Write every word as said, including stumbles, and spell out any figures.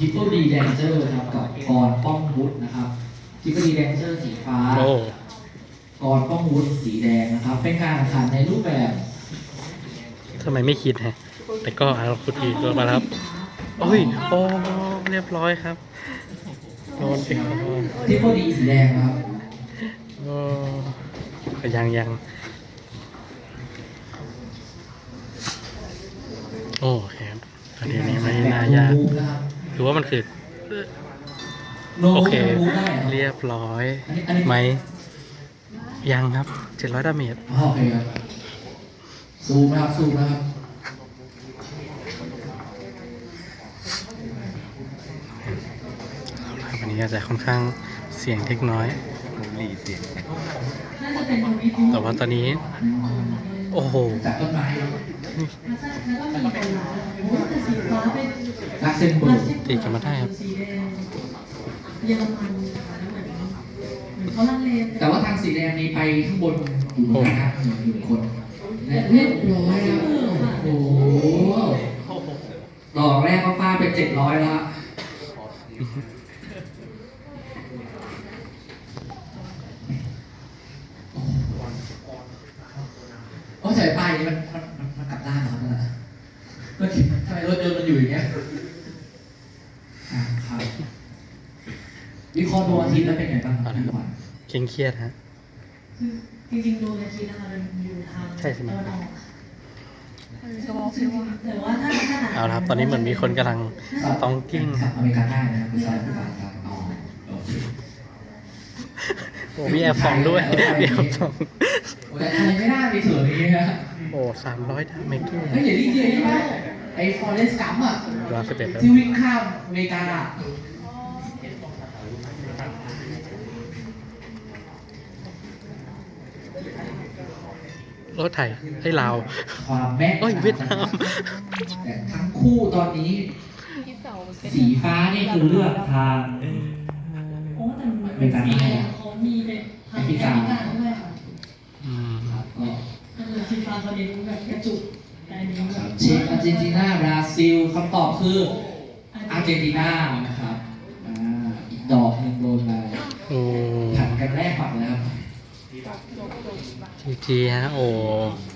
ทิปเปิลดีแดนเจอร์นะครับกับกรป้องวุฒินะครับทิปเปิลดีแดนเจอร์สีฟ้าโอ้กรป้องวุฒิสีแดงนะครับ เป็นการแข่งขันในรูปแบบทำไมไม่คิดฮะแต่ก็เอาคุณทีตัวมาแล้วครับโอ้ยโอ้เรียบร้อยครับโดนไปครับทิปเปิลดีสีแดงนะครับโอ้ยังยังโอ้ครับประเด็นนี้ไม่น่ายากหรือว่ามันคือโนโอเคมูได้เหรอเรียบร้อยอันนี้อันนี้ไหมยังครับเจ็ดร้อยดาเมจอ๋อโอเคครับซูมนะครับซูมนะครับวันนี้อาจจะค่อนข้างเสียงเล็กน้อยหลีเสียงน่าจะเป็นทวิตแต่ว่าตอนนี้ โอ้โหจากต้นไม้แล้วก็มีคนร้ายโอ้แต่สีฟ้าเป็นลักเซนเบิร์กตีกันมาได้ครับสีแดงเยอรมันนะคะเหมือนเหมือนเขาลังเลแต่ว่าทางสีแดงนี้ไปข้างบนอยู่นะครับหนึ่งคนและเรียบร้อยแล้วโอ้โหดอกแรกก็ฟาดไปเจ็ดร้อยแล้ว โอ้ใส่ป้ายนี้มันมันมันมันกลับด้านเหรอเนี่ยเมื่อกี้ทำไมรถยนต์มันอยู่อย่างเงี้ยอ่าครับวิเคราะห์ดวงอาทิตย์แล้วเป็นไงบ้างครับพี่ขวัญเคร่งเครียดฮะคือจริงๆดวงอาทิตย์นะคะมันอยู่ทางใช่ใช่ไหมตะวันออกแต่ว่าถ้าถ้าหนักเอาละครับ ตอนนี้เหมือนมีคนกำลังต้องกิ้งขับอเมริกาใต้นะครับคุณชายผู้ฟังครับอ๋อโอเคโอ้มีแอบฟองด้วยมีแอบฟองโอ้แต่ไทยไม่น่ามีส่วนนี้นะโอ้สามร้อยดาเมจเฮ้ยอย่ารีบเดียวใช่ไหมไอ้ฟอเรสต์กัมอ่ะร้อยสิบเอ็ดแล้วที่วิ่งข้ามอเมริกาอะรถไทยให้ลาวความแม่นโอ้ยเวียดนามแต่ทั้งคู่ตอนนี้ สีฟ้านี่คือเลือกทางโอ้แต่มันเป็นสีแดงเขามีเป็นทางแอฟริกาด้วยค่ะอืมครับก็ก็คือสีฟ้าเขาเน้นแบบกระจุกแต่อันนี้แบบเช็คอาร์เจนตินาบราซิลคำตอบคืออาร์เจนตินานะครับอ่าอีกดอกหนึ่งโดนไปโอ้ผัดกันแรกปัดแล้วครับจีจีฮะโอ้